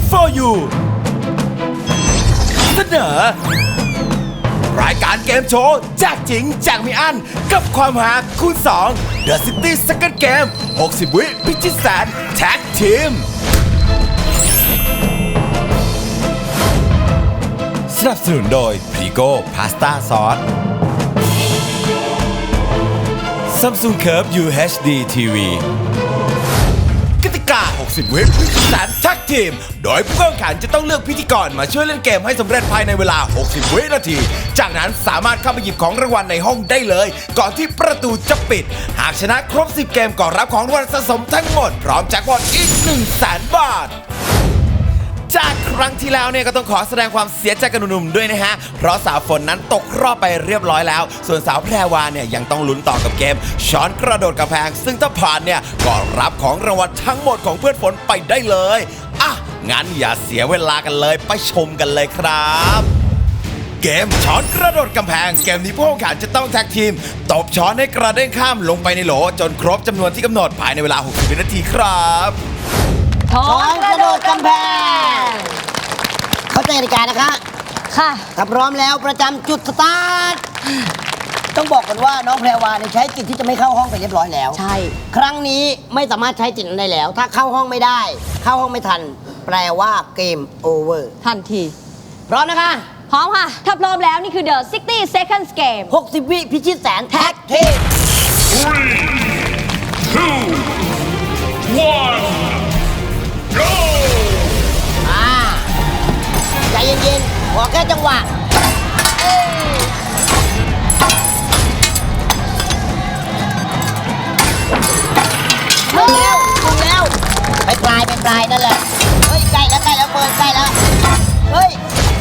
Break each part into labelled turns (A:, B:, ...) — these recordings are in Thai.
A: for you เสนอรายการเกมโชว์แจกจริงแจกไม่อั้นกับความหาคูณ2 The City Second Game 60 วิพิชิตแสนแท็กทีมสนับสนุนโดยพรีโก้พาสต้าซอส Samsung Curve UHD TV กติกา 60 วิพิธีการแท็กทีมโดยผู้แข่งขันจะต้องเลือกพิธีกรมาช่วยเล่นเกมให้สำเร็จภายในเวลา 60 วินาที จากนั้นสามารถเข้าไปหยิบของรางวัลในห้องได้เลย ก่อนที่ประตูจะปิด หากชนะครบ 10 เกมก็รับของรางวัลสะสมทั้งหมด พร้อมแจ็คพอตอีก 100,000 บาท จากครั้งที่แล้วเนี่ยก็ต้องขอแสดงความเสียใจกับหนุ่มๆด้วยนะฮะ เพราะสาวฝนนั้นตกรอบไปเรียบร้อยแล้ว ส่วนสาวแพรวาเนี่ยยังต้องลุ้นต่อกับเกมช้อนกระโดดกำแพง ซึ่งถ้าผ่านเนี่ยก็รับของรางวัลทั้งหมดของเพื่อนฝนไปได้เลยอ่ะงั้นอย่าเสียเวลากันเลยไปชมกันเลยครับ เกมช้อนกระโดดกำแพงเกมนี้ผู้แข่งขันจะต้องแท็กทีมตบช้อนให้กระเด้งข้ามลงไปในโหลจนครบจำนวนที่กำหนดภายในเวลา 60 วินาทีครับ
B: ช้อนกระโดดกำแพงเข้าใจกติกานะคะค่ะถ้าพร้อมแล้วประจำจุดสตาร์ทต้องบอกก่อนว่าน้องแพรวาเนี่ยใช้จิตที่จะไม่เข้าห้องไปเรียบร้อยแล้วใช่ครั้งนี้ไม่สามารถใช้จิตนั้นได้แล้วถ้าเข้าห้องไม่ได้เข้าห้องไม่ทันแปลว่าเกมโอเวอร์
C: ทันที
B: พร้อมนะคะ
C: พร้อมค่ะถ้าพร้อมแล้วนี่คือ The 60 Seconds Game
B: 60 วิพิชิตแสนแท็กทีม
D: 3, 2, 1 go
B: ใจเย็นๆขอแค่จังหวะถึงแล้วไปปลายนั่นแหละเฮ้ยใกล้แล้วเปิดใกล้แล้วเฮ้ย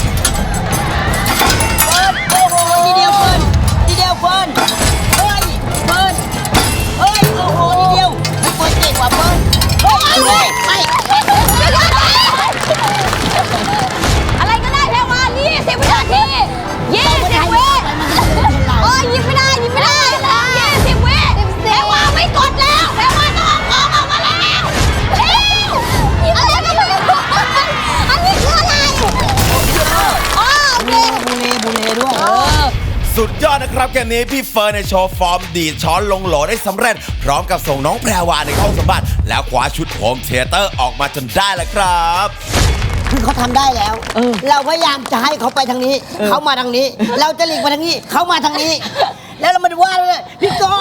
B: โอ้โหทีเดียวเฟิร์นเฮ้ยเฟิร์นเฮ้ยโอ้โหทีเดียวเฟิร์นเก่งกว่าเฟิร์นเฮ้ยไป
C: อะไรก็ได้แพรวา20 วินาที20 วิโอ้ยยิงไม่ได้20 วิแพรวาไม่กดแล้วแพรวาต้องออกมาแล้วอะไรก็ไม่รู้อันนี้คืออะไรอ๋อโอเค
B: บูเล่ด้วย
A: สุดยอดนะครับเกมนี้พี่เฟิร์นในโชว์ฟอร์มดีดช้อนลงโหลได้สำเร็จพร้อมกับส่งน้องแพรวาในห้องสมบัติแล้วคว้าชุดโฮมเทเตอร์ออกมาจนได้แล้วครับ
B: คือเขาทำได้แล้วเราพยายามจะให้เขาไปทางนี้เขามาทางนี้เราจะหลีกมาทางนี้เขามาทางนี้แล้วเรามาดูว่าเลยพี่โก้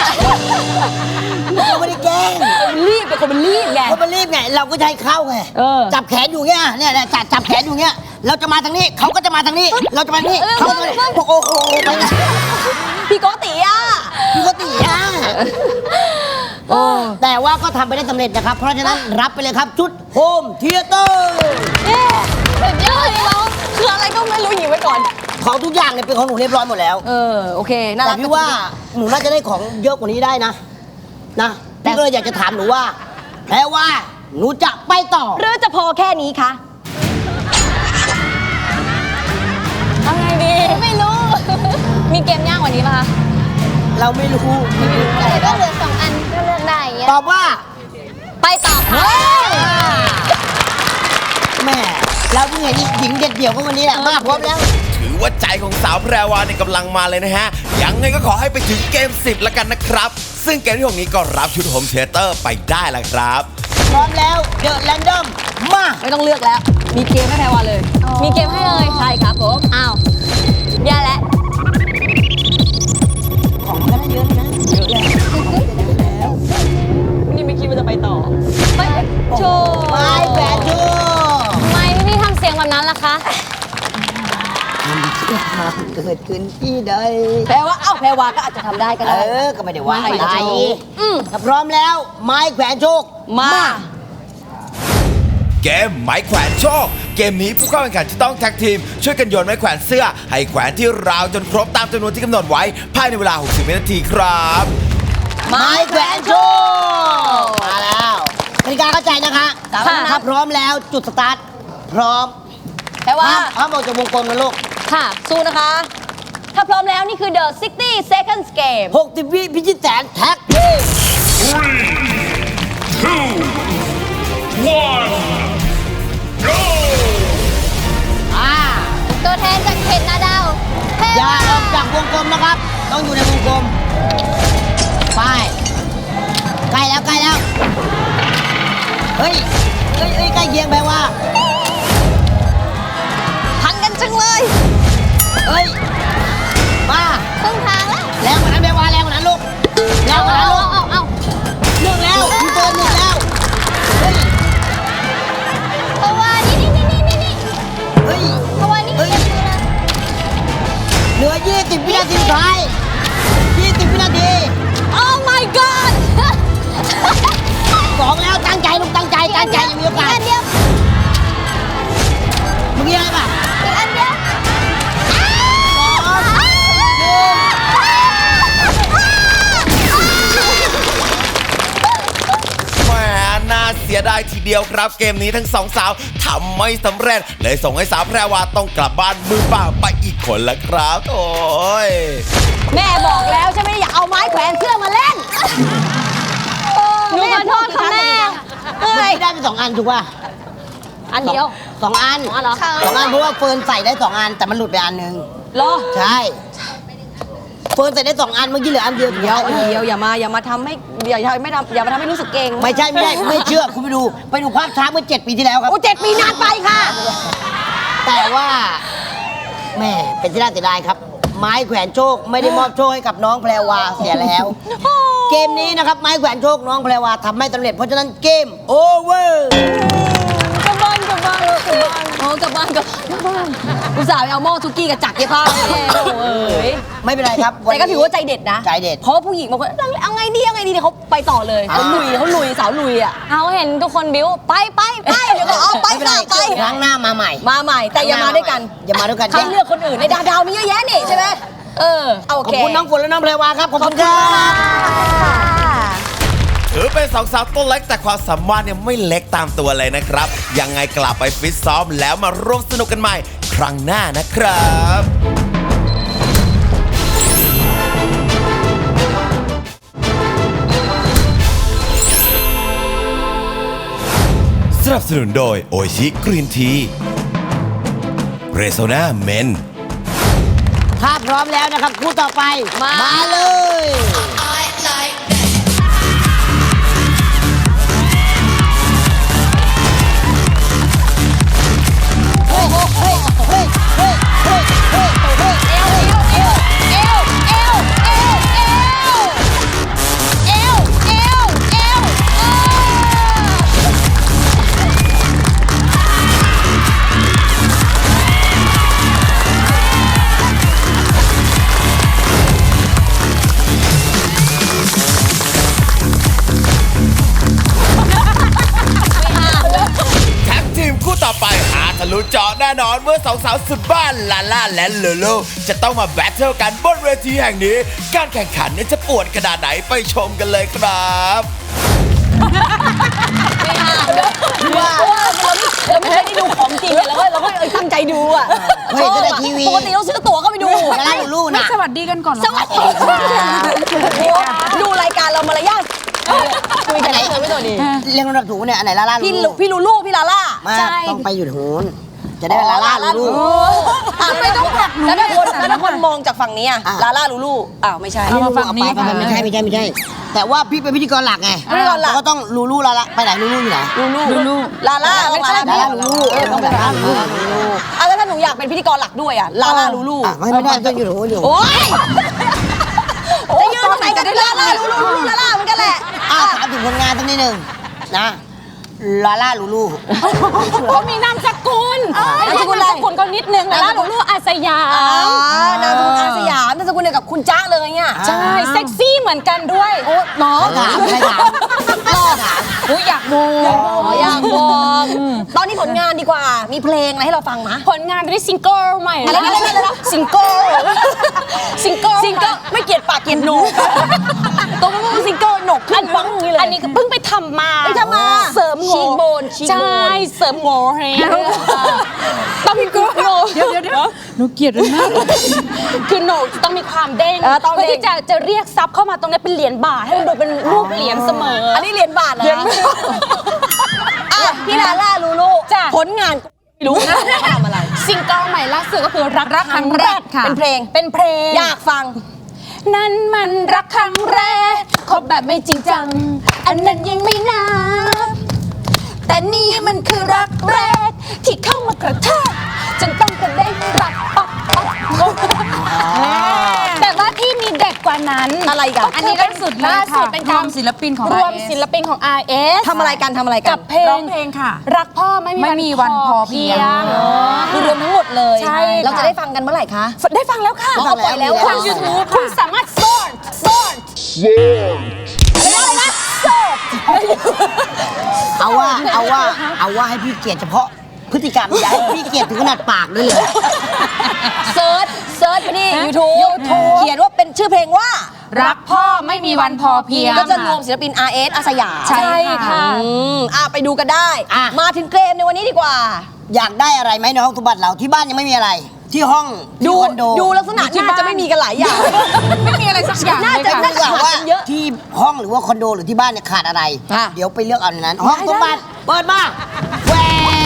B: เราไม่ได้แกล้ง
C: รีบเป็นคนมันรีบไง
B: เราก็จะให้เข้าไงจับแขนอยู่เงี้ยเนี่ยจับแขนอยู่เงี้ยเราจะมาทางนี้เขาก็จะมาทางนี้เราจะมาทางนี้เขาจะมาโอ้โห
C: พี่โกติ
B: แต่ว่าก็ทำไปได้สำเร็จนะครับเพราะฉะนั้นรับไปเลยครับชุดโฮมเทเตอร์
C: สุดยอดเลยน้องคืออะไรก็ไม่รู้หยิบไว้ก่อน
B: ของทุกอย่างเนี่ยเป็นของหนูเรียบร้อยหมดแล้ว
C: โอเคน่ารัก
B: แต่พี่ว่าหนูน่าจะได้ของเยอะกว่านี้ได้นะพี่ก็เลยอยากจะถามหนูว่าแปลว่าหนูจะไปต่อ
C: หรือจะพอแค่นี้คะเอาไงดีไม่รู้มีเกมยากกว่านี้ป่ะคะ
B: เราไม่รู้
C: แต่ก็เหลือ2 อันก็เลือกได้
B: ตอบว่า
C: ไปต่อ
B: แม่เราเพิ่งเห็นหญิงเด็ดเดี่ยวก็วันนี้แหละมาพร้อมแล้ว
A: ถือว่าใจของสาวแพรวาในกำลังมาเลยนะฮะยังไงก็ขอให้ไปถึงเกม10แล้วกันนะครับซึ่งเกมที่6นี้ก็รับชุดโฮมเทเตอร์ไปได้แล้วครับ
B: พร้อมแล้วเดอะแรนดอมมา
C: ไม่ต้องเลือกแล้วมีเกมให้แพรวาเลยมีเกมให้เลยใช่ครับผมอ้าวแย่แล้ว
B: ของก็ได้เยอะนะแล้ว
C: นี่ไม่คิดว่าจะไปต่อไปโชว์
B: ไปแหวนโชว์
C: ทำไมพี่ทำเสียงแบบนั้นล่ะคะ
B: มันเกิดขึ้นที่ใด
C: แปลว่าแพรวาก็อาจจะทำได้ก็ได้
B: ก็ไม่ได้ว่าอะไรถ้าพร้อมแล้วไม้แขวนโชคมา
A: เกมไม้แขวนโชคเกมนี้ผู้เข้าแข่งขันจะต้องแท็กทีมช่วยกันโยนไม้แขวนเสื้อให้แขวนที่ราวจนครบตามจำนวนที่กำหนดไว้ภายในเวลา 60 วินาทีครับ
B: ไม้แขวนโชคมาแล้วกติกาเข้าใจนะคะถ้าพร้อมแล้วจุดสตาร์ทพร้อม
C: แต่ว่า
B: ห้ามออกจากวงกลมนะลูก
C: ค่ะสู้นะคะถ้าพร้อมแล้วนี่คือ The 60 Seconds Game
B: 60 วิพิชิตแสนแท็กทีม
D: 3, 2, 1 go
B: ใกล้เคียงแปลว่า
C: ทันกันจังเลย
B: เอ้ยมา
C: ครึ่งทางแล้ว
B: แรงกว่านั้นแปลว่าแรงกว่านั้นลูกแรงกว่านั้นลูก
C: เอา
B: หนึ่งแล้วพี่เฟิร์นหนึ่งแล้วเฮ้ย
C: เพราะว่านี่
B: เฮ้ย
C: เพราะว่านี่
B: เหลือ 20 วินาทีสุดท้าย 20 วินาที
C: Oh my god
B: สองแล้วตั้งใจลูกตั้งใจยังมีโอกาส
C: อีกอันเดียว
B: เมื่อกี้อะไรป่ะ
C: อีกอันเดียว
A: แหมน่าเสียดายทีเดียวครับ เกมนี้ทั้งสองสาวทำไม่สำเร็จเลยส่งให้สาวแพรวาต้องกลับบ้านมือเปล่าไปอีกคนละครับโอ้ย
C: แม่บอกแล้วใช่ไหมอย่าเอาไม้แขวนเสื้อมาเล่นหนูขอโทษค่ะแม่
B: เมื่อกี้ได้ไป2 อันถูกป่ะ
C: อันเดียว
B: 2 อัน
C: 2 อันเหรอ
B: 2 อันเพราะว่าเฟิร์นใส่ได้ 2 อันแต่มันหลุดไปอันหนึง
C: เหรอ
B: ใช่เฟิร์นใส่ได้ 2 อันเมื่อกี้เหลืออันเดียว
C: เดียวอย่ามาทำให้อย่ามาทำให้รู้สึกเก่ง
B: ไม่ใช่ไม่เชื่อคุณไปดูภาพช้าเมื่อ7 ปีที่แล้วครับ
C: โอ้7 ปีนานไปค่ะ
B: แต่ว่าแม่เป็นที่น่าเสียดายครับ ไม้แขวนโชคไม่ได้มอบโชคให้กับน้องแพรวาเสียแล้ว เกมนี้นะครับไม้แขวนโชคน้องแพรวาทำไม่สำเร็จเพราะฉะนั้นเกมโอเวอร์
C: กลับบ้านโอ้กลับบ้านอุตส่าห์ไปเอาหม้อซุกี้กับจักรเย็บผ้าเอ้ย
B: ไม่เป็นไรครับ
C: แต่ก็ถือว่าใจเด็ดนะ
B: ใจเด็ด
C: เพราะผู้หญิงบางคนเอาไงดีเขาไปต่อเลยเขาลุยสาวลุยอ่ะเขาเห็นทุกคนบิ้วไปเดี๋ยวก็เอาไป
B: ไม่เป็นไร
C: ไป
B: ครั้งหน้ามาใหม่
C: มาใหม่แต่อย่ามาด้วยกัน
B: อย่ามาด้วยกัน
C: ให้เลือกคนอื่นในดาวมีเยอะแยะนี่ใช่ไหมโอ
B: ขอบ
C: เค
B: คุณน้องฝนและน้องแพรวาครับขอบคุณครับ
A: ถือเป็นสองสาวตัวเล็กแต่ความสามารถเนี่ยไม่เล็กตามตัวเลยนะครับ ยังไงกลับไปฟิตซ้อมแล้วมาร่วมสนุกกันใหม่ ครั้งหน้านะครับสนับสนุนโดยโอชิกรีนทีเรโซนาเมน
B: ถ้าพร้อมแล้วนะครับคู่ต่อไปมาเลย เฮ้ยเฮ้ยเฮ้ยเฮ้ยเฮ้ยเฮ้ยเฮ้ย
A: ทีมคู่ต่อไปหาทะลุเจาะแน่นอนเมื่อสองสาวสุดบ้านลาล่าและเลโลจะต้องมาแบทเทิลกันบนเวทีแห่งนี้ การแข่งขันเนี่ยจะปวดขนาดไหนไปชมกันเลยครับ
C: เราไม่เคยได้ดูของจริงเราก็ตั้งใจดูอ่ะ
B: เฮ้ยจะได้ทีวี
C: ปกติเราซื้อตั๋วเข้าไปดู
B: จะได้ลูกนะ
E: สวัสดีกันก่อนเหรอ
C: สวัสดีดูรายการเรามารยาทคุยกันไหนไม่ตัวดี
B: เรียงลำดับถูกเนี่ยอันไหนลาล่า
C: พี่ลูลูพี่ลาล่า
B: มาต้องไปอยู่หูนจะได้ลาล่าลูลู
C: ทำไมต้องผลักหนูแล้วถ้าคนมองจากฝั่งนี้ลาล่าลูลูอ้าวไม่ใช่
E: เอามาฝั่งนี้
B: ไปไม่ใช่แต่ว่าพี่เป็นพิธีกรหลักไง
C: พิธีกรหลัก
B: ก็ต้องลูลูลาล่าไปไหนลูลูอยู่ไหน
C: ลูลาล่าไม่ใช่
B: ลาล่าลูลู
C: ต้องเป็นลาล่าลูลูแล้วถ้าหนูอยากเป็นพิธีกรหลักด้วยลาล่าลูลู
B: ไม่ได้ต้องอยู่หูนอยู่
C: โอ๊ยจะยืนตรงไหนกันลาล่าลูลูลาล่าเหมือนกันแหละ
B: ถามถึงผลงานสักนิดหนึ่งนะลาล่าลูลู
E: เขามีนามสกุล
C: นามสกุลอะไร
E: นามสกุลก็นิดนึงนะลูลูอาสยาม
C: นามสกุลอาสยามนามสกุลเดียวกับคุณจ๊ะเลยเนี่ย
E: ใช่เซ็กซี่เหมือนกันด้วย
C: โอ้เนาะ
B: ถามใครถาม
E: อุ้ยอยากดู
C: อยากบอกตอนนี้ผลงานดีกว่า มีเพลงอะไรให้เราฟังมะ
E: ผลงานได้ซิงเกิลใหม่
C: อะไรนะซิงเกิลไม่เกลียดปากเกลียดโหนกตัวมันเป็นซิงเกิลโหนกขึ้นฟังอย่างนี้เลย
E: อันนี้ก็เพิ่งไปทำมา
C: ไปทำมา
E: เสริมโง
C: ชีกโบน
E: ใช่เสริมโงให้ต้องมีกูโง
F: เดี๋ยวหนูเกลียดมันมาก
E: คือโหนกต้องมีความเด้ง
C: ต้องเด้ง
E: เพื่อที่จะเรียกซับเข้ามาตรงนี้เป็นเหรียญบาทให้มันดูเป็นรูปเหรียญเสมอ
C: อันนี้เรียนบาทแล้วพี่ลาล่าลูลู
E: จ้ะ
C: ผลงานไม่รู้นะว่าทำอะไร
E: ซิงเกิลใหม่ล่าสุดก็คือรักครั้งแรก
C: ค่ะเป็นเพลง
E: เป็นเพลง
C: อยากฟัง
E: นั่นมันรักครั้งแรกคบแบบไม่จริงจัง อันนั้นยังไม่นับ
C: แต่นี่มันคือรักแรกที่เข้ามากระแทกจนต้องกระเด้งรักแต่ว่าที่มีเด็ดกว่านั้นอะไรกันอันนี้ล่าสุดเป็นการ
E: รวมศิลปินของ
C: รวม
E: RS
C: ศิลปินของ RS
G: ทำอะไรกัน
C: กับเพล
E: ร้อง งเพลงค่ะ
C: รักพ่อไม่มีวันพอเพียง
G: คือรวมทั้งหมดเลย
C: ใช่
G: เราจะได้ฟังกันเมื่อไหร่คะ
C: ได้ฟังแล้วค่ะ
G: อ๋อปล่อยแล้ว
C: ทาง YouTube คุณสามารถสอดอะไรนะสอด
B: เอาว่าให้พี่เกียรติเฉพาะพฤติกรรมอย่าให้พี่เกียรติถึงขนาดปากด้วยเลย
G: เซิร์ชไปที่ YouTube เขียนว่าเป็นชื่อเพลงว่า
E: รักพ่อไม่มีวันพอเพียง
G: ก็จะรวมศิลปิน RS อาสยาม
C: ใช่ค่ะ
G: ไปดูกันได้
B: อ่ะ
G: มาถึงเกมในวันนี้ดีกว่า
B: อยากได้อะไรไหมในห้องสมบัติเราที่บ้านยังไม่มีอะไร ที่ห้องที่คอนโด
G: ดูลักษณะน่าจะไม่มีกันหลายอย่าง
E: ไม่มีอะไรสักอย่าง
G: น่า
E: เลย
G: จะ
E: ค่ะ
B: ถ้าเกิดว่า
G: เยอะ
B: ที่ห้องหรือว่าคอนโดหรือที่บ้านเนี่ยขาดอะไร
G: อ่ะ
B: เดี๋ยวไปเลือกเอาในนั้น ห้องสมบัติเปิดมาแหว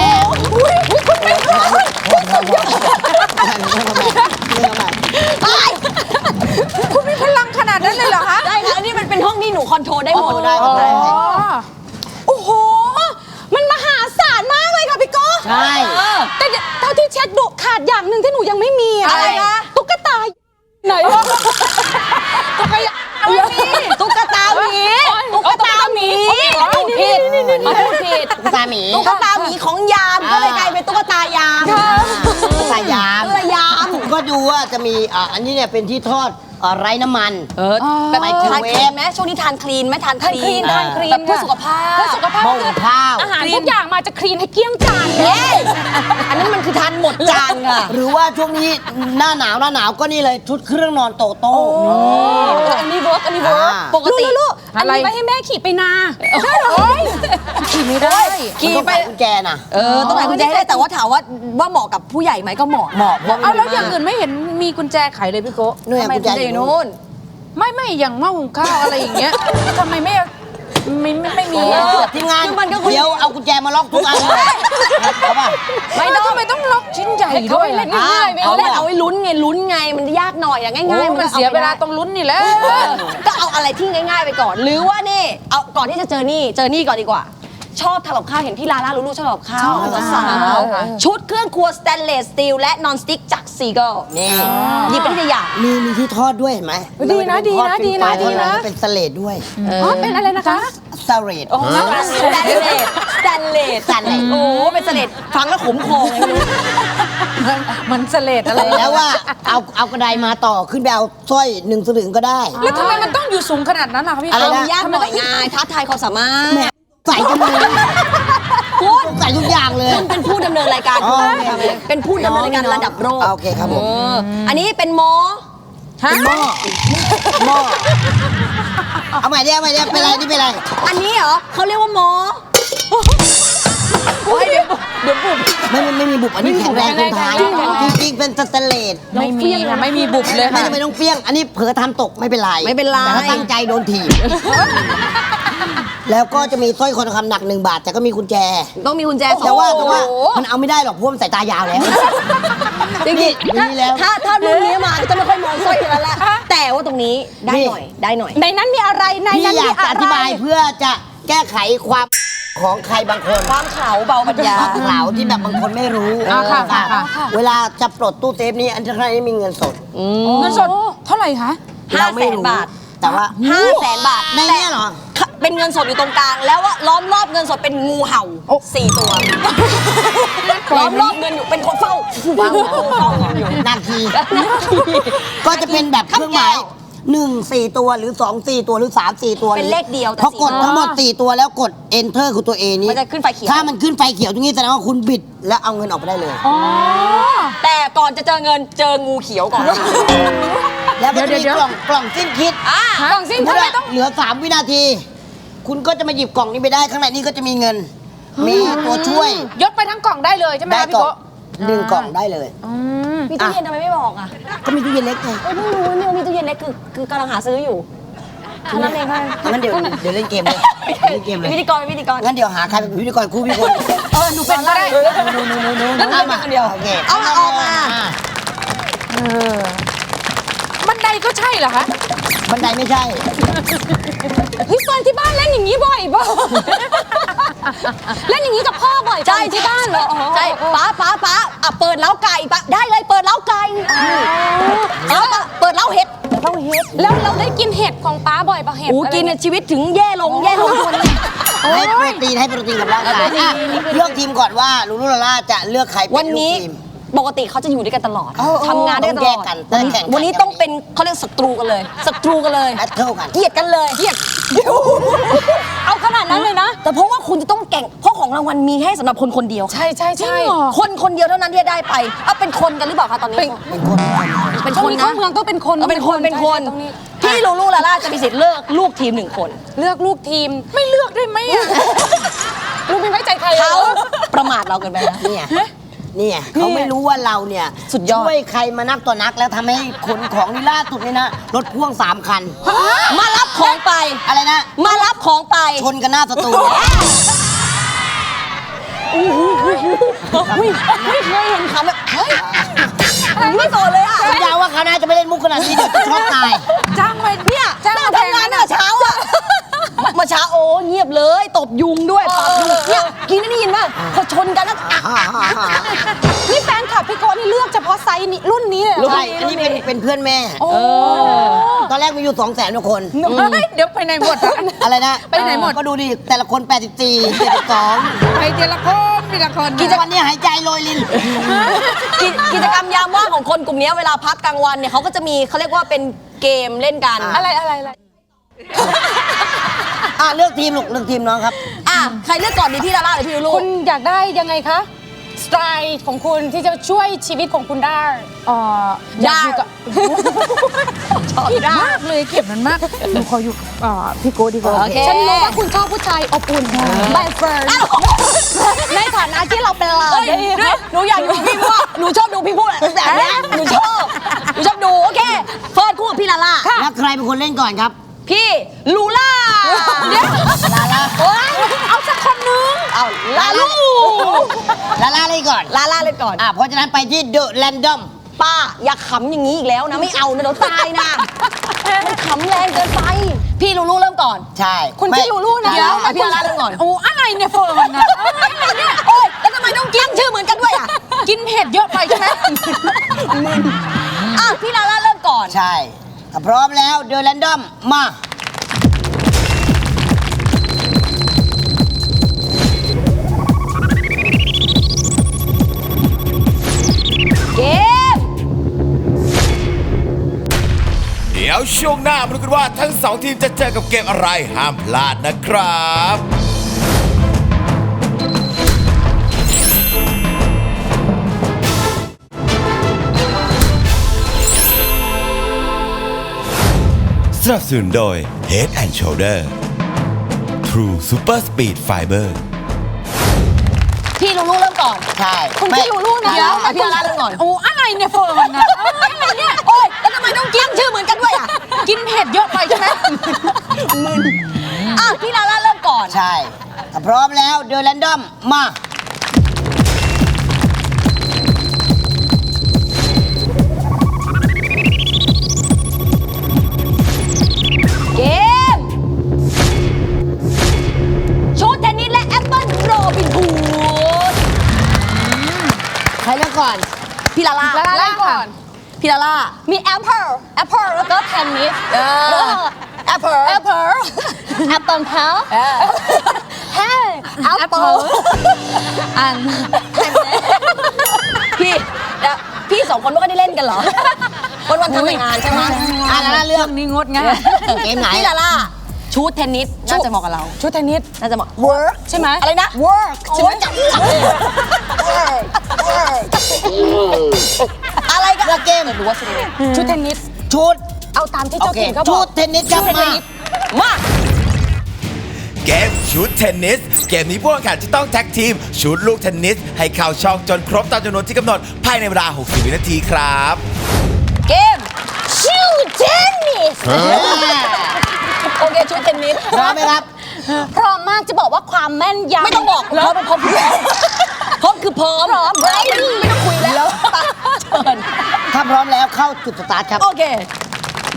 B: ก
E: คุณมีพลังขนาดนั้นเลยเหรอคะ
G: ได้ค่ะอันนี้มันเป็นห้องที่หนูคอนโทรลได้หมด
B: ได้ครับได้
C: โอ้โห มันมหาศาลมากเลยค่ะพี่โก้
B: ใช่
C: แต่เท่าที่เช็คดูขาดอย่างหนึ่งที่หนูยังไม่มี
G: อะไรคะ
C: ตุ๊กตาไหนวะตุ๊กตาไม่มี
G: ตุ๊กตาหมี
C: ตุ๊กตาหมี
G: พูดผิดพูดผิด
B: ตุ๊กตาหมี
G: ตุ๊กตาหมีของยามก็เลยกลายเป็นตุ๊กตายาม
B: ตุ๊กตายาม
G: ตุ๊กตายาม
B: ก็ดูว่าจะมีอันนี้เนี่ยเป็นที่ทอดไร้น้ำมัน
G: แบบ
B: ไมโคร
G: ทาน
B: เว
G: คลี
B: ฟ
G: นไหมช่วงนี้ทานคลีนไหมทานคลีน
C: ทานคลีน
G: แบบเพื่อสุขภาพ
C: เพื่อสุขภาพ
B: หม้อ
C: คือ
B: ข้าว
C: อาหารทุกอย่างมาจะคลีนให้เกลี้ยงจาน
G: เฮ้ยอันนั้นมันคือทานหมดจานค่ะ
B: หรือว่าช่วงนี้หน้าหนาวก็นี่เลยชุดเครื่องนอนโตโต้
G: อันนี้เวิร์กอันนี้เวิร์ก
B: อ่า
G: ปกติ
C: ลูกอันนี้ไว้ให้แม่ขี่ไปนาได้เหรอ
E: ขี่ไม่ได้
G: ขี่
B: มันต้อง
G: ไป
B: ใส่กุญแจน่ะ
G: ต้องไหนกุญแจให้ได้แต่ว่าถามว่าเหมาะกับผู้ใหญ่ไหมก็เหมาะ
B: เหมาะ
E: เอาแล้วอย่างอื่นไม่เห็นมีกุญแจไขเลยพี่โกะ
B: นู่น
G: ทำไม
B: กุญ
G: กุญ
B: แจ
G: แจ
B: อ
G: อยู่
B: ยู่นู่
G: นู่
B: น
G: น
E: ไม่อย่างหม้อหุงข้าวอะไรอย่างเงี้ยทำไมไม่มี
B: ทีมงาน
G: คือมันก็คือ
B: เดี๋ยวเอากุญแจมาล็อกทุกอันเลยเอาป่ะ
E: ไม่ต้องทำไมต้องล็อกชิ้นใหญ่ด้วย
C: เล่น
E: อะ
C: ง่ายๆไป
G: เอา
C: เอา
G: เล่
C: เล่
G: น
C: น
G: เอาไว้ลุ้นไงมันยากหน่อยอย่าง
E: โอ้
G: ง่ายๆ
E: มันเสียเวลาตรงลุ้นนี่แหละ
G: ก็เอาอะไรที่ง่าย ๆไปก่อน หรือว่านี่เอาก่อนที่จะเจอนี่ก่อนดีกว่า ชอบทำกับข้าวเห็นพี่ลาล่าลูลูชอบทำกับข้าวสาวๆชุดเครื่องครัวสแตนเลสสตีลและนอนสติ๊กจากซีเกิล
B: นี่
G: หยิบไปที่อย่าง
B: มีที่ทอดด้วยเห็นไหม
C: ดีนะดีนะดีนะดีนะ
B: เป็นสเลดด้วย
C: อ๋อเป็นอะไรนะคะ
B: สเลด
G: สแตนเลสสแตนเลส
B: สแตนเลส
G: โอ้เป็นสเลดฟังแล้วขมคอไงไม่รู้
E: มันเสลดอะไร
B: แล้วว่าเอากระไดมาต่อขึ้นไปเอาสร้อย1 สลึงก็ได้
E: แล้วทำไมมันต้องอยู่สูงขนาดนั้นล่ะคะพี่
B: อะไร
E: โกะ
B: นะ
G: ยากหน่อยไงท้าทายความสามารถ
B: แหมใส่กันเลยใส่ทุกอย่างเลย
G: คุณเป็นผู้ดำเนินรายการ
B: อ๋อ
G: เป็นผู้ดำเนินรายการระดับโลก
B: โอเคครับผม
G: อันนี้เป็นหมอ
B: เป็นหม้อเอาใหม่ดิเป็นไรนี่เป็นไร
G: อันนี้เหรอเขาเรียกว่าหมอโอ้ยเดี๋ยวบุบ
B: ไม่มีบุบอันนี้แข็งแรงคนไทยจริงๆเป็นสแตนเลส
E: ไม่มีค่ะไม่มีบุบเลย
B: ไม่
E: ค่ะ
B: จำเป็นต้องเปี้ยง อันนี้เผลอทำตกไม่เป็นไร
G: ไม่เป็นไร
B: แต่ถ้าตั้งใจโดนถีบ แล้วก็จะมีสร้อยคอทองคำหนัก1 บาท แต่ก็มีกุญแจ
G: ต้องมีกุญแจสอง
B: แต่ว่ามันเอาไม่ได้หรอกเพราะมันสายตายาวแล้ว
G: จริง
B: นี่
G: ๆ
B: มีแล้ว
G: ถ้ารุ่นนี้มาก็จะไม่ค่อยมองสร้อยกันแล้วแหละแต่ว่าตรงนี้ได้หน่อย
C: ในนั้นมีอะไรใน
B: พี่
C: นั้น
B: อยา
C: มี
B: กจะ
C: อะ
B: อธิ
C: ไร
B: บายเพื่อจะแก้ไขความของใครบางคน
G: ความขาวเบาปัญญา
B: ความเหลาที่แบบบางคนไม่รู้
E: ค่ะ
B: เวลาจะปลดตู้เซฟนี้อันนี้มีเงินสด
E: เงินสดเท่าไหร่คะ
B: เราไม่รู้
G: 500,000 บาท
B: แต่ว่า
G: 500,000 บาท
B: ในเนี้ยเหรอ
G: แต่เป็นเงินสดอยู่ตรงกลาง แล้วว่าล้อมรอบเงินสดเป็นงูเห่า4 ตัวล้อมรอบเงินอยู่เป็นคนเฝ้าอยู่
B: นาทีก็จะเป็นแบบเครื่องหมาย1 4 ตัวหรือ2 4 ตัวหรือ3 4 ตัว
G: เป็นเลขเดียวแต่
B: พอกดทั้งหมด4 ตัวแล้วกด enter คือตัว A นี้
G: มันจะขึ้นไฟเขียว
B: ถ้ามันขึ้นไฟเขียวตรงนี้แสดงว่าคุณบิดแล้วเอาเงินออกไปได้เลย
G: แต่ก่อนจะเจอเงินเจองูเขียวก่อน
B: แล้วก็จะมี
E: เดี๋ยว
B: กล่องสิ้นคิด
C: กล่องสิ้น
B: สมมุ
C: ทำ
B: ติ
C: ไม
B: ว่า
C: ต้อง
B: เหลือ3 วินาที คุณก็จะมาหยิบกล่องนี้ไปได้ข้างในนี้ก็จะมีเงิน มีตัวช่วย
E: ยกไปทั้งกล่องได้เลยใช่ไหม
B: ได้
E: คะพี่
B: กล่อง
E: โกะ
B: 1 กล่องได้เลย
G: มีตู้เย็นทำไมไม่บอกอ่ะ
B: ก็มีตู้เย็นเล็กไง
G: เพิ่งรู้ว่ามีตู้เย็นเล็กคือกำลังหาซื้ออยู่เท่านั้นเองค่ะ
B: งั้นเดี๋ยวเล่นเกมเลยเล่นเกมเลย
G: พิธีกร
B: งั้นเดี๋ยวหาใครเป็นพิธีกรคู่พี่คน
G: หนูเป็นก็ได้
B: เอามาเดียวโอเค
G: เอามา
E: บันไดก็ใช่เหรอคะ
B: บันไดไม่ใช่
C: เฮ้ยเฟิร์นที่บ้านเล่นอย่างนี้บ่อยป่ะเล่นอย่างนี้กับพ่อบ่อย
G: ใช่
C: ที่บ้านเหรอ
G: ใช่ป้าอ่ะเปิดเล้าไก่ป้าได้เลยเปิดเล้าไก่เอาป้าเปิดเล้าเห็ด
C: แล้วเราได้กินเห็ดของป้าบ่อยปะเห็ด
G: โอ้กินเนี่ยชีวิตถึงแย่ลงคนเลย
B: ให้โปรตีนกับร่างกายอ่ะเลือกทีมก่อนว่าลูลูลาล่าจะเลือกใครเป็
G: วัน
B: นลู
G: นี้
B: กทีม
G: ปกติเขาจะอยู่ด้วยกันตลอดทำงานด้วยกันตลอด
B: ต้องแยกกันต้องแข่งกัน
G: วันนี้ต้องเป็นเขาเรียกศัตรูกันเลยศัตรูกันเลย
B: แบทเทิลกัน
G: เกลียดกันเลยเกลียด
C: เอาขนาดนั้นเลยนะ
G: แต่เพราะว่าคุณจะต้องแข่งเพราะของรางวัลมีให้สำหรับคนคนเดียว
E: ใช่ใช่ใช่
G: คนเดียวเท่านั้นที่จะได้ไปเอาเป็นคนกันหรือเปล่าคะตอนนี้
B: เป็นคน
G: เป็น
C: ตร
G: ค
C: ง
G: น
C: นี้
G: นะ
C: เข้าเมืองก็เป็นคน
G: เป็นคน
C: ใช่ตรงนี้
G: พี่ลูลูลาล่าจะมีสิทธิ์เลือกลูกทีม1 คน
C: เลือกลูกทีมไม่เลือกได้ไหมอะลูกไม่ไว้ใจใคร
G: เขาประมาทเราเกินไปนะ
B: เนี่ยเขาไม่รู้ว่าเราเนี่ย
G: สุดยอด
B: ช่วยใครมานักต่อนักแล้วทำให้ขนของนี่ล่าสุดนี่นะรถพ่วง3 คัน
G: มารับของไป
B: อะไรนะ
G: มารับของไป
B: ชนกันหน้าสตู
G: ไม่เคยเห็นคำแบบเฮ้ยไม่โกรธเลยอ่ะ
B: สัญญาว่าคราวหน้าจะไม่เล่นมุกขนาดนี้เดี๋ยวจะช็อกตาย
C: จ้างไป
G: เนี่ย
C: จ้าง
G: น่า
C: มาแทน
G: ทำงานน่ะเช้าอ่ะมาเช้าโอ้เงียบเลยตบยุงด้วยปรับยุงเนี่ยกินได้ยินป่ะพอชนกันแล้วอ่ะ
C: นี่แฟนคลับพี่โกะนี่เลือกเฉพาะไซส์นี้รุ่นนี้เลยเหรอ
B: ใช่ อันนี้เป็นเพื่อนแม่
C: โอ้
B: ตอนแรกมีอยู่ 200,000กว่าคน
E: เฮ้ยเดี๋ยวไปไหนหมดอะ
B: อะไรนะ
E: ไปไหนหมด
B: ก็ดูดิ แต่ละคน 84 72
E: ไปทีละคนทีละคน
B: กิจวันนี้หายใจโรยลิน
G: กิจกรรมยามว่างของคนกลุ่มนี้เวลาพักกลางวันเนี่ยเขาก็จะมีเขาเรียกว่าเป็นเกมเล่นกัน
C: อะไร
B: เลือกทีมลูกเลือกทีมน้องครับ
G: อ่ะใครเลือกก่อนดีพี่ลาล่าหรือพี่ลูลู
C: คุณอยากได้ยังไงคะสไตล์ของคุณที่จะช่วยชีวิตของคุณได้
E: อยากอยู่กับผิดมากเลยเก็บมันมากหนูขออยู่พี่โก้ดีกว่า
G: โอเค
C: ฉันรู้ว่าคุณชอบผู้ชายอบอุ่นใบเฟิร์นในฐานะที่เราเป็นหลาน
G: เฮ้ยด้วยหนูอยากดูพี่พูดหนูชอบดูพี่พูดแบบเนี้ยหนูชอบดูโอเคเฟิร์นคู่กับพี่ลาล่า
B: แล้วใครเป็นคนเล่นก่อนครับ
G: พี่ลูล่า
B: ลาล่า
G: โอ๊ยเอาสักคนนึงเอาลาลู
B: ลาล่าเล่นก่อน
G: ลาล่าเล่นก่อน
B: เพราะฉะนั้นไปที่เดอะแรนดอม
G: ป้าอย่าขำอย่างนี้อีกแล้วนะไม่เอานะเดี๋ยวตายนะมันขำแรงเกินไป พี่ลูลูเริ่มก่อน
B: ใช่
C: คุณพี่ลูลูนะ
G: เดี๋ยวเอาพี่ลาล่าเริ่มก่อน
E: โอ้อะไรเนี่ยเฟิร์นนะ
G: โอ๊ยแล้วทำไมต้องกินชื่อเหมือนกันด้วยอ่ะ
E: กินเผ็ดเยอะไปใช่ไหม
G: อ่ะพี่ลาล่าเริ่มก่อน
B: ใช่ถ้าพร้อมแล้วเดอะแรนดอมมา
G: เกม
A: เดี๋ยวช่วงหน้ามาดูกันว่าทั้ง 2 ทีมจะเจอกับเกมอะไรห้ามพลาดนะครับ สนับสนุนโดย Head and Shoulder True Super Speed Fiber
G: พี่ลูลูเริ่มก่อน
B: ใช่
C: คุณพี่ลูลูนะ
G: เดี๋ยวเอาพี่ลาล่าเริ่มก่อน
E: โอ้อะไรเนี่ยเฟิร์นนะอะไรเนี่ย
G: โอ๊ยแล้วทำไมต้องกินชื่อเหมือนกันด้วยอ่ะ
E: กินเผ็ดเยอะไปใช่ไหม
G: อ่ะพี่ลาล่าเริ่มก่อน
B: ใช่ถ้าพร้อมแล้วเดอะแรนดอมมา
G: เกมชุดเทนนิสและแอปเปิลโรบินฮูด
B: ใครเลือกก่อน
G: พี่ลาล่า
C: ลาล่าก่อน
G: พี่ลาล่ามีแอปเปิลแล้วก็เทนนิสแอปเปิล
C: แอปเปิลแอปเปิลเพลเฮ้ยแอปเปิล
E: อัน
G: พี่2 คนไม่ค่อยได้เล่นกันเหรอ วันทำแต่งานใช่ไหม
B: ลาล่าเลือก
E: นี่งดง่าย
B: เกมไหน
G: พี่ลาล่าชุดเทนนิสน่าจะเหมาะกับเรา
C: ชุดเทนนิส
G: น่าจะเหมาะ work
C: ใช่ไหม
G: อะไรนะ work ใช่ไหมจะอะไรกัน
B: เลือกเกม
G: หรือว่าชุดเทนนิส
C: ชุดเทนนิส
B: ชุด
C: เอาตามที่
B: โอ
C: เจ้า
B: เค
C: ถิ่นเขาบ
B: ชุ
C: อก
B: ดเทนนิสครับมา
G: มา
A: เกมชุดเทนนิส เกมนี้ผู้แข่งขันจะต้องแท็กทีมชุดลูกเทนนิส ให้เข้าช่องจนครบตามจำนวนที่กำหนดภายในเวลา 60 วินาทีครับ
G: เกมชุดเทนนิสโอเคชุดเทนนิส
B: พร้อมไหมครับ
C: พร้อมมากจะบอกว่าความแม่นยำ
G: ไม่ต้องบอกพร้อมคือพร้อมพร้อมคือพร้อมไม่ต้องคุยแล้วเชิญ
B: ถ้าพร้อมแล้วเข้าจุดสตาร์ทครับ
G: โอเค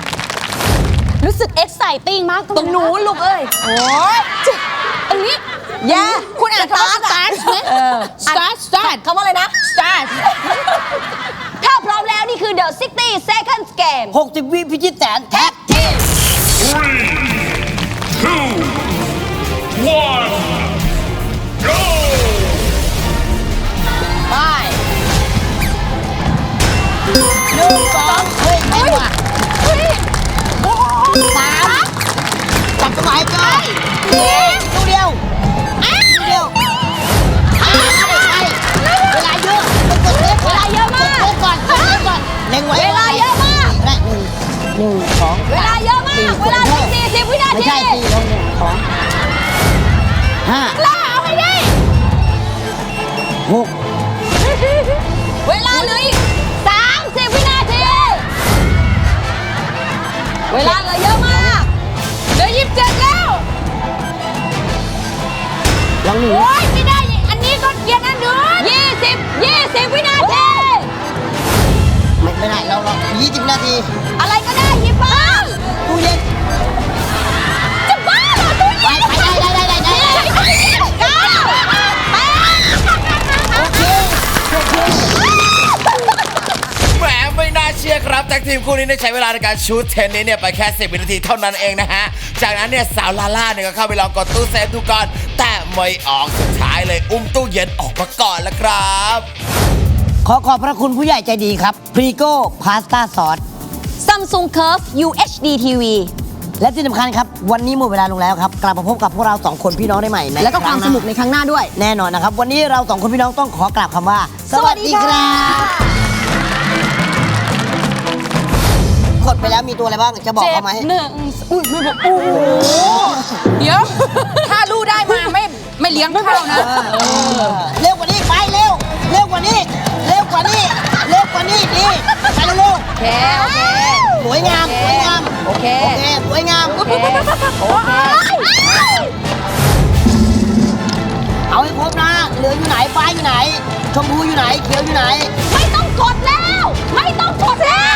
C: รู้สึก exciting มาก
G: ตรงนู้นลูกเอ้ย
C: โอ้ยตรงนี้
G: แย่
E: คุณอ่านคำว่า start ไหม start
G: คำว่าอะไรนะ
E: start
G: ถ้าพร้อมแล้วนี่คือ The 60 Seconds Game
B: 60 วิพิชิตแสนแท็กทีม
D: 3, 2, 1, go!
B: ไป1 2เฮ้ยไม่ว่ะ3จับสมัยก่อนดูเดียวดูเดียวเวลาเยอะกดเล็ก
G: เวลาเยอะมาก
B: กดก่อนกดเล็กก่อนเล็งไว้
G: เวลาเยอะมาก
B: และหนึ่งสอง
G: เวลาเยอะมาก เวลาเหลือ40 วินา
B: ไม่
G: ที
B: ใช่4ลง1 2 5
G: ล่าเอาให้ได้
B: 6
G: เวลาเหลืออีก30 วินาที เวลาเหลือเยอะมาก
E: เดี๋ยว27แล้ว
B: ลองหนึ่ง
E: โอ๊ยไม่ได้ อันนี้ก็เกียร์นั่นเดือน
G: 20 วินาที
B: ไม่ได้เรา20 นาที
G: อะไรก็ได้หยิบมา
B: ตู้เย็น
G: จะบ้าเหรอตู้
B: ไป
G: เย็น
B: ได้
G: เก้าแปด
B: โอเค
A: แหมไม่น่าเชื่อครับแท็กทีมคู่นี้ได้ใช้เวลาในการชูตเทนนิสเนี่ยไปแค่10 วินาทีเท่านั้นเองนะฮะ จากนั้นเนี่ยสาวลาล่าเนี่ยก็เข้าไปลองกดตู้เซฟดูก่อน แต่ไม่ออกสุดท้ายเลยอุ้มตู้เย็นออกมาก่อนละครับ
B: ขอขอบพระคุณผู้ใหญ่ใจดีครับพรีโก้พาสต้าซอส
G: Samsung Curve UHD TV
B: และที่สำคัญครับ วันนี้หมดเวลาลงแล้วครับ กลับมาพบกับพวกเรา 2 คนพี่น้องได้ใหม่ใน
G: แล้วก็ความ
B: รั้งห
G: ส
B: น้
G: นุกในครั้งหน้าด้วย
B: แน่นอนนะครับ วันนี้เรา 2 คนพี่น้องต้องขอกราบคำว่า สวัสดีครับกดไปแล้วมีตัวอะไรบ้างจะบอกเขาไหม
E: อุ้ยไม่บอกโอ้โหเดี๋ยว ถ้าลูกได้มาไม่เลี้ยงข้าวนะ
B: เร็วกว่านี้ไปเร็วเร็วกว่านี้เร็วกว่านี้เร็วกว่านี้ดีไปเร็ว
G: โอเค โอเค
B: สวยงามสวยงาม
G: โอเค
B: โอเคสวยงาม
G: โอเค
B: เอาให้ครบนะเหลืองอยู่ไหนฟ้าอยู่ไหน ชมพูอยู่ไหนเขียวอยู่ไหน
G: ไม่ต้องกดแล้ว ไม่ต้องกดแล้ว